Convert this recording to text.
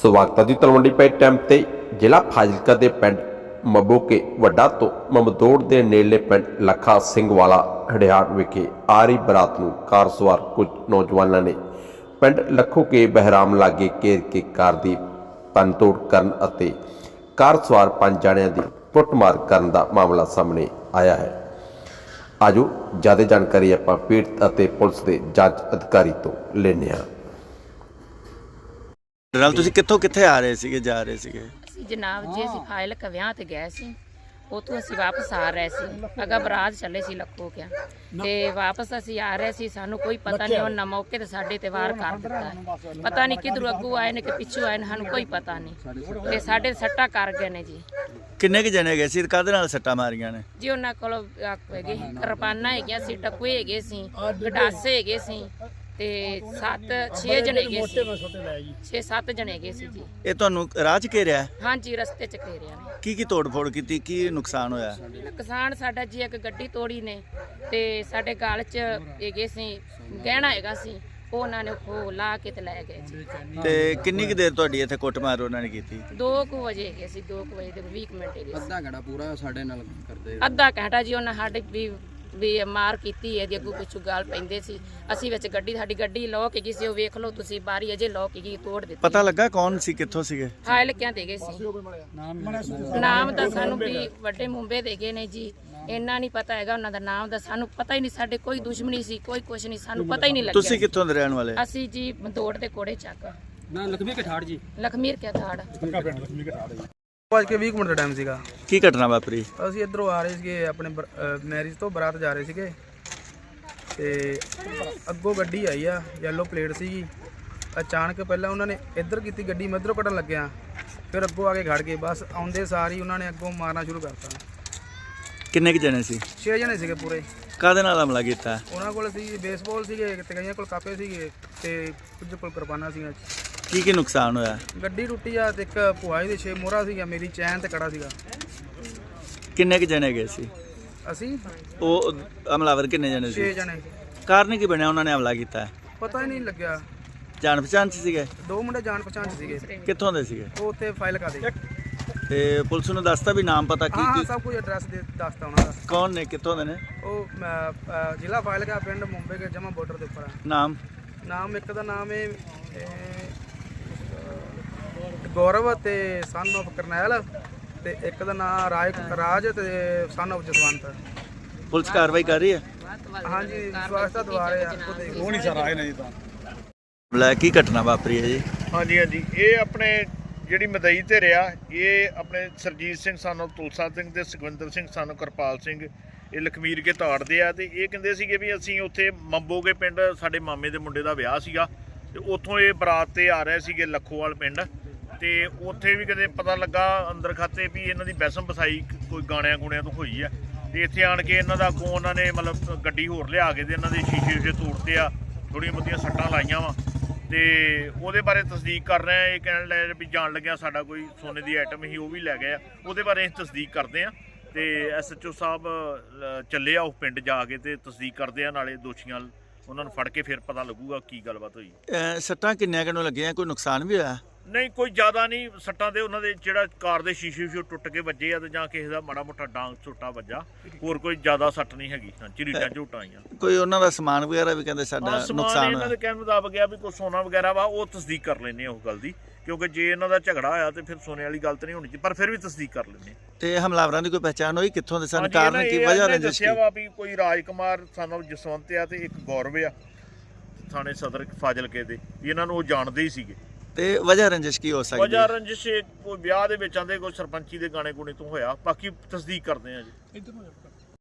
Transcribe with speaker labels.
Speaker 1: ਸਵਾਗਤ ਹੈ ਜੀ ਤਲਵੰਡੀ ਪੈ ਟਾਈਮ ਤੇ ਜ਼ਿਲ੍ਹਾ ਫਾਜ਼ਿਲਕਾ ਦੇ ਪਿੰਡ ਮਬੋਕੇ ਵੱਡਾ ਤੋਂ ਮਮਦੋੜ ਦੇ ਨੇੜਲੇ ਪਿੰਡ ਲੱਖਾ ਸਿੰਘ ਵਾਲਾ ਹੜਿਆੜ ਵਿਖੇ ਆਰੀ ਬਰਾਤ ਨੂੰ ਕਾਰ ਸਵਾਰ ਕੁਝ ਨੌਜਵਾਨਾਂ ਨੇ ਪਿੰਡ ਲੱਖੋਕੇ ਬਹਿਰਾਮ ਲਾਗੇ ਘੇਰ ਕੇ ਕਾਰ ਦੀ ਭੰਨਤੋੜ ਕਰਨ ਅਤੇ ਕਾਰ ਸਵਾਰ 5 ਜਣਿਆਂ ਦੀ ਕੁੱਟਮਾਰ ਕਰਨ ਦਾ ਮਾਮਲਾ ਸਾਹਮਣੇ ਆਇਆ ਹੈ। ਆਜੋ ਜ਼ਿਆਦਾ ਜਾਣਕਾਰੀ ਆਪਾਂ ਪੀੜਤ ਅਤੇ ਪੁਲਿਸ ਦੇ ਜਾਂਚ ਅਧਿਕਾਰੀ ਤੋਂ ਲੈਂਦੇ ਹਾਂ।
Speaker 2: ਨਾਲ ਤੁਸੀਂ ਕਿੱਥੇ ਆ ਰਹੇ ਸੀਗੇ ਜਾ ਰਹੇ ਸੀਗੇ?
Speaker 3: ਅਸੀਂ ਜਨਾਬ ਜੀ ਅਸੀਂ ਫਾਜ਼ਿਲਕਾ ਵਿਆਹ ਤੇ ਗਏ ਸੀ, ਉੱਥੋਂ ਅਸੀਂ ਵਾਪਸ ਆ ਰਹੇ ਸੀ। ਅਗਾ ਬਰਾਤ ਚੱਲੇ ਸੀ ਲੱਖੋਕਿਆਂ ਤੇ ਵਾਪਸ ਅਸੀਂ ਆ ਰਹੇ ਸੀ। ਸਾਨੂੰ ਕੋਈ ਪਤਾ ਨਹੀਂ, ਉਹਨਾਂ ਮੌਕੇ ਤੇ ਸਾਡੇ ਤੇ ਵਾਰ ਕਰ ਦਿੱਤਾ ਹੈ। ਪਤਾ ਨਹੀਂ ਕਿਧਰੋਂ ਅੱਗੋਂ ਆਏ ਨੇ ਕਿ ਪਿੱਛੋਂ ਆਏ ਨੇ, ਸਾਨੂੰ ਕੋਈ ਪਤਾ ਨਹੀਂ ਤੇ ਸਾਡੇ ਸੱਟਾਂ ਕਰ ਗਏ ਨੇ ਜੀ।
Speaker 2: ਕਿੰਨੇ ਕੁ ਜਣੇ ਗਏ ਸੀ? ਕਾਹਦੇ ਨਾਲ ਸੱਟਾਂ ਮਾਰੀਆਂ ਨੇ ਜੀ?
Speaker 3: ਉਹਨਾਂ ਕੋਲ ਹੈਗੇ ਕਿਰਪਾਨਾਂ ਹੈਗੀਆਂ ਸੀ, ਟਕੂਏ ਹੈਗੇ ਸੀ, ਗਡਾਸੇ ਹੈਗੇ ਸੀ ਤੇ 6 ਜਣੇ ਹੈਗੇ ਸੀ, 6-7 ਜਣੇ ਹੈਗੇ ਸੀ ਜੀ।
Speaker 2: ਇਹ ਤੁਹਾਨੂੰ ਰਾਹ 'ਚ ਘੇਰਿਆ?
Speaker 3: ਹਾਂਜੀ, ਰਸਤੇ 'ਚ ਘੇਰਿਆ ਨੇ।
Speaker 2: ਕੀ ਤੋੜ ਫੋੜ ਕੀਤੀ? ਕੀ ਨੁਕਸਾਨ ਹੋਇਆ?
Speaker 3: ਨੁਕਸਾਨ ਸਾਡਾ ਜੀ ਇੱਕ ਗੱਡੀ ਤੋੜੀ ਨੇ ਤੇ ਸਾਡੇ ਗਲ 'ਚ ਹੈਗੇ ਸੀ ਗਹਿਣਾ ਹੈਗਾ ਸੀ, ਉਹ ਉਹਨਾਂ ਨੇ ਖੋ ਲਾ ਕੇ ਤੇ ਲੈ ਗਏ ਜੀ।
Speaker 2: ਤੇ ਕਿੰਨੀ ਕੁ ਦੇਰ ਤੁਹਾਡੀ ਇੱਥੇ ਕੁੱਟਮਾਰ ਉਹਨਾਂ ਨੇ ਕੀਤੀ?
Speaker 3: 2 ਵਜੇ ਹੈਗੇ ਸੀ, 2 ਵਜੇ ਦੇ 20 ਮਿੰਟ ਹੈਗੇ ਸੀ।
Speaker 4: ਅੱਧਾ ਘੰਟਾ ਪੂਰਾ ਸਾਡੇ ਨਾਲ ਕਰਦੇ।
Speaker 3: ਅੱਧਾ ਘੰਟਾ ਜੀ ਉਹਨਾਂ ਸਾਡੇ ਵੀ ਮਾਰ ਕੀਤੀ ਹੈ ਜੀ। ਅੱਗੋਂ ਪਿੱਛੋਂ ਗਾਲ ਪੈਂਦੇ ਸੀ। ਅਸੀਂ ਵਿੱਚ ਸਾਡੀ ਗੱਡੀ ਲੋਕ ਹੈਗੀ ਸੀ, ਉਹ ਵੇਖ ਲਓ ਤੁਸੀਂ, ਬਾਰੀ ਅਜੇ ਲੋਕ ਹੈਗੀ, ਤੋੜ ਦਿੱਤੀ।
Speaker 2: ਪਤਾ ਲੱਗਾ ਕੌਣ ਸੀ, ਕਿੱਥੋਂ ਸੀਗੇ?
Speaker 3: ਫਾਜ਼ਿਲਕਿਆਂ ਦੇ ਗਏ ਸੀ। ਨਾਮ ਦਾ ਸਾਨੂੰ ਵੀ ਵੱਡੇ ਮੁੰਬੇ ਦੇ ਗਏ ਨੇ ਜੀ, ਇੰਨਾ ਨਹੀਂ ਪਤਾ ਹੈਗਾ ਉਹਨਾਂ ਦਾ ਨਾਮ ਦਾ। ਸਾਨੂੰ ਪਤਾ ਹੀ ਨਹੀਂ, ਸਾਡੇ ਕੋਈ ਦੁਸ਼ਮਣੀ ਸੀ, ਕੋਈ ਕੁਛ ਨਹੀਂ, ਸਾਨੂੰ ਪਤਾ ਹੀ ਨਹੀਂ ਲੱਗਿਆ।
Speaker 2: ਤੁਸੀਂ ਕਿੱਥੋਂ ਦੇ ਰਹਿਣ ਵਾਲੇ?
Speaker 3: ਅਸੀਂ ਜੀ ਮਦੋੜ ਦੇ ਕੋੜੇ ਚੱਕ
Speaker 4: ਨਾ ਲਖਮੀ ਕਠਾੜ ਜੀ,
Speaker 3: ਲਖਮੀਰ ਕੇ ਠਾੜ।
Speaker 5: 5:20 ਮਿੰਟ ਦਾ ਟਾਈਮ ਸੀਗਾ।
Speaker 2: ਕੀ ਘਟਨਾ ਵਾਪਰੀ?
Speaker 5: ਅਸੀਂ ਇੱਧਰੋਂ ਆ ਰਹੇ ਸੀਗੇ, ਆਪਣੇ ਮੈਰਿਜ ਤੋਂ ਬਰਾਤ ਜਾ ਰਹੇ ਸੀਗੇ ਤੇ ਅੱਗੋਂ ਗੱਡੀ ਆਈ ਆ, ਯੈਲੋ ਪਲੇਟ ਸੀਗੀ। ਅਚਾਨਕ ਪਹਿਲਾਂ ਉਹਨਾਂ ਨੇ ਇੱਧਰ ਕੀਤੀ ਗੱਡੀ, ਮੈਂ ਇੱਧਰੋਂ ਕੱਢਣ ਲੱਗਿਆ, ਫਿਰ ਅੱਗੋਂ ਆ ਕੇ ਖੜ ਗਏ। ਬਸ ਆਉਂਦੇ ਸਾਰ ਹੀ ਉਹਨਾਂ ਨੇ ਅੱਗੋਂ ਮਾਰਨਾ ਸ਼ੁਰੂ ਕਰਤਾ।
Speaker 2: ਕਿੰਨੇ ਕੁ ਜਣੇ ਸੀ?
Speaker 5: 6 ਜਣੇ ਸੀਗੇ ਪੂਰੇ।
Speaker 2: ਕਾਹਦੇ ਨਾਲ ਹਮਲਾ ਕੀਤਾ?
Speaker 5: ਉਹਨਾਂ ਕੋਲ ਸੀ ਬੇਸਬਾਲ ਸੀਗੇ ਤੇ ਕਈਆਂ ਕੋਲ ਕਾਪੇ ਸੀਗੇ ਤੇ ਕੁਝ ਕੋਲ ਕਿਰਪਾਨਾਂ ਸੀਗੀਆਂ।
Speaker 2: ਕੀ ਨੁਕਸਾਨ ਹੋਇਆ?
Speaker 5: ਗੱਡੀ ਟੁੱਟੀ ਆ ਤੇ ਇੱਕ ਭੁਆਈ ਦੇ 6 ਮੋਹਰਾ ਸੀਗਾ, ਮੇਰੀ ਚੈਨ ਤੇ ਕੜਾ ਸੀਗਾ।
Speaker 2: ਕਿੰਨੇ ਕੁ ਜਣੇ ਗਏ ਸੀ?
Speaker 5: ਅਸੀਂ
Speaker 2: ਉਹ ਹਮਲਾਵਰ ਕਿੰਨੇ ਜਣੇ
Speaker 5: 6
Speaker 2: ਸੀ?
Speaker 5: ਜਣੇ।
Speaker 2: ਕਾਰਨ ਕੀ ਬਣਿਆ ਉਹਨਾਂ ਨੇ ਹਮਲਾ ਕੀਤਾ?
Speaker 5: ਪਤਾ ਹੀ ਨਹੀਂ ਲੱਗਿਆ।
Speaker 2: ਜਾਣ ਪਛਾਣ 'ਚ ਸੀਗੇ?
Speaker 5: 2 ਮੁੰਡੇ ਜਾਣ ਪਛਾਣ 'ਚ ਸੀਗੇ।
Speaker 2: ਕਿੱਥੋਂ ਦੇ ਸੀਗੇ?
Speaker 5: ਉਹ ਉੱਥੇ ਫਾਜ਼ਿਲਕਾ ਦੇ।
Speaker 2: ਤੇ ਪੁਲਿਸ ਨੂੰ ਦੱਸਤਾ ਵੀ ਨਾਮ ਪਤਾ
Speaker 5: ਹਾਂ
Speaker 2: ਕੀ?
Speaker 5: ਸਭ ਕੁਝ ਐਡਰੈਸ ਦੇ ਦੱਸਤਾ ਉਹਨਾਂ ਦਾ।
Speaker 2: ਕੌਣ ਨੇ, ਕਿੱਥੋਂ ਦੇ ਨੇ?
Speaker 5: ਉਹ ਜ਼ਿਲ੍ਹਾ ਫਾਜ਼ਿਲਕਾ, ਪਿੰਡ ਮੁੰਬਈ ਕੇ ਜਮਾ ਬਾਰਡਰ ਦੇ ਉੱਪਰ ਆ। ਨਾਮ ਇੱਕ ਦਾ ਨਾਮ ਹੈ ਗੌਰਵ ਤੇ ਸਨ ਆਫ ਕਰਨੈਲ, ਤੇ ਇੱਕ ਦਾ ਨਾਮ ਰਾਜ ਤੇ ਸਨ ਆਫ ਜਸਵੰਤ।
Speaker 2: ਪੁਲਿਸ ਕਾਰਵਾਈ ਕਰ ਰਹੀ ਹੈ?
Speaker 5: ਹਾਂਜੀ, ਸਵਾਸਤਾ ਦੁਆਰੇ ਆ।
Speaker 6: ਉਹ ਨਹੀਂ ਸਰ ਆਏ ਨੇ ਜੀ ਤਾਂ।
Speaker 2: ਲੈ ਕੀ ਘਟਨਾ ਵਾਪਰੀ ਹੈ ਜੀ?
Speaker 6: ਹਾਂਜੀ ਇਹ ਆਪਣੇ ਜਿਹੜੀ ਮਦਈ ਤੇ ਰਿਹਾ, ਇਹ ਆਪਣੇ ਸਰਜੀਤ ਸਿੰਘ ਸਾਨੂੰ ਤੁਲਸਾ ਸਿੰਘ ਤੇ ਸੁਖਵਿੰਦਰ ਸਿੰਘ ਸਾਨੂੰ ਕਿਰਪਾਲ ਸਿੰਘ, ਇਹ ਲਖਮੀਰ ਕੇ ਤਾੜਦੇ ਆ। ਤੇ ਇਹ ਕਹਿੰਦੇ ਸੀਗੇ ਵੀ ਅਸੀਂ ਉੱਥੇ ਮੰਬੋਗੇ ਪਿੰਡ ਸਾਡੇ ਮਾਮੇ ਦੇ ਮੁੰਡੇ ਦਾ ਵਿਆਹ ਸੀਗਾ ਤੇ ਉੱਥੋਂ ਇਹ ਬਰਾਤ ਤੇ ਆ ਰਹੇ ਸੀਗੇ ਲੱਖੋਵਾਲ ਪਿੰਡ। ਤੇ ਉੱਥੇ ਵੀ ਕਦੇ ਪਤਾ ਲੱਗਾ ਅੰਦਰ ਖਾਤੇ ਵੀ ਇਹਨਾਂ ਦੀ ਬੈਸਮ ਬਸਾਈ ਕੋਈ ਗਾਣਿਆਂ ਗੁਣਿਆਂ ਤੋਂ ਹੋਈ ਆ। ਤੇ ਇੱਥੇ ਆਣ ਕੇ ਇਹਨਾਂ ਦਾ ਅੱਗੋਂ ਉਹਨਾਂ ਨੇ ਮਤਲਬ ਗੱਡੀ ਹੋਰ ਲਿਆ ਕੇ ਤੇ ਇਹਨਾਂ ਦੇ ਸ਼ੀਸ਼ੇ ਤੋੜਤੇ ਆ, ਥੋੜ੍ਹੀਆਂ ਬਹੁਤੀਆਂ ਸੱਟਾਂ ਲਾਈਆਂ ਵਾ। ਤੇ ਉਹਦੇ ਬਾਰੇ ਤਸਦੀਕ ਕਰ ਰਹੇ ਆ। ਇਹ ਕਹਿਣ ਲੱਗੇ ਵੀ ਜਾਣ ਲੱਗਿਆ ਸਾਡਾ ਕੋਈ ਸੋਨੇ ਦੀ ਆਈਟਮ ਸੀ, ਉਹ ਵੀ ਲੈ ਗਏ ਆ। ਉਹਦੇ ਬਾਰੇ ਅਸੀਂ ਤਸਦੀਕ ਕਰਦੇ ਆ ਤੇ SHO ਸਾਹਿਬ ਚੱਲੇ ਆ ਉਹ ਪਿੰਡ ਜਾ ਕੇ ਤੇ ਤਸਦੀਕ ਕਰਦੇ ਆ, ਨਾਲੇ ਦੋਸ਼ੀਆਂ ਉਹਨਾਂ ਨੂੰ ਫੜ ਕੇ ਫਿਰ ਪਤਾ ਲੱਗੂਗਾ ਕੀ ਗੱਲਬਾਤ ਹੋਈ।
Speaker 2: ਸੱਟਾਂ ਕਿੰਨੀਆਂ ਕਿਨੂੰ ਲੱਗੀਆਂ? ਕੋਈ ਨੁਕਸਾਨ ਵੀ ਹੋਇਆ?
Speaker 6: ਨਹੀਂ, ਕੋਈ ਜ਼ਿਆਦਾ ਨਹੀਂ ਸੱਟਾਂ ਦੇ। ਉਹਨਾਂ ਦੇ ਜਿਹੜਾ ਕਾਰ ਦੇ ਸ਼ੀਸ਼ੇ ਟੁੱਟ ਕੇ ਵੱਜੇ ਆ ਤੇ ਜਾਂ ਕਿਸੇ ਦਾ ਮਾੜਾ ਮੋਟਾ ਡਾਂਗ ਝੋਟਾ ਵੱਜਾ, ਹੋਰ ਕੋਈ ਜ਼ਿਆਦਾ ਸੱਟ ਨਹੀਂ ਹੈਗੀ। ਝਰੀਟਾਂ ਝੋਟਾਂ ਆਈਆਂ।
Speaker 2: ਕੋਈ ਉਹਨਾਂ ਦਾ ਸਮਾਨ ਵਗੈਰਾ ਵੀ ਕਹਿੰਦੇ ਸਾਡਾ ਨੁਕਸਾਨ
Speaker 6: ਇਹਨਾਂ ਦੇ ਕਹਿਣ ਮੁਤਾਬਕ ਆ ਵੀ ਕੋਈ ਸੋਨਾ ਵਗੈਰਾ ਵਾ, ਉਹ ਤਸਦੀਕ ਕਰ ਲੈਂਦੇ ਆ ਉਹ ਗੱਲ ਦੀ, ਕਿਉਂਕਿ ਜੇ ਇਹਨਾਂ ਦਾ ਝਗੜਾ ਹੋਇਆ ਤੇ ਫਿਰ ਸੋਨੇ ਵਾਲੀ ਗੱਲ ਤਾਂ ਨਹੀਂ ਹੋਣੀ ਚਾਹੀਦੀ, ਪਰ ਫਿਰ ਵੀ ਤਸਦੀਕ ਕਰ ਲੈਂਦੇ।
Speaker 2: ਤੇ ਹਮਲਾਵਰਾਂ ਦੀ ਕੋਈ ਪਹਿਚਾਣ ਹੋਈ? ਕਿੱਥੋਂ ਦੇ ਸਨ? ਕਾਰਨ ਕੀ, ਵਜ੍ਹਾ ਰੰਜਿਸ਼ ਕੀ?
Speaker 6: ਦੱਸਿਆ ਵਾ ਵੀ ਕੋਈ ਰਾਜਕੁਮਾਰ ਸਾਨੂੰ ਜਸਵੰਤ ਆ ਤੇ ਇੱਕ ਗੌਰਵ ਆ, ਥਾਣੇ ਸਦਰ ਫਾਜ਼ਿਲਕੇ ਦੇ। ਇਹਨਾਂ ਨੂੰ ਉਹ ਜਾਣਦੇ ਹੀ ਸੀਗੇ।
Speaker 2: ਤੇ ਵਜ੍ਹਾ ਰੰਜਿਸ਼ ਕੀ ਹੋ ਸਕਦੀ?
Speaker 6: ਵਜ੍ਹਾ ਰੰਜਿਸ਼ ਕੋਈ ਵਿਆਹ ਦੇ ਵਿੱਚ ਆਂਦੇ ਕੋਈ ਸਰਪੰਚੀ ਦੇ ਗਾਣੇ ਗੁਣੇ ਤੋਂ ਹੋਇਆ, ਬਾਕੀ ਤਸਦੀਕ ਕਰਦੇ ਆ ਜੀ।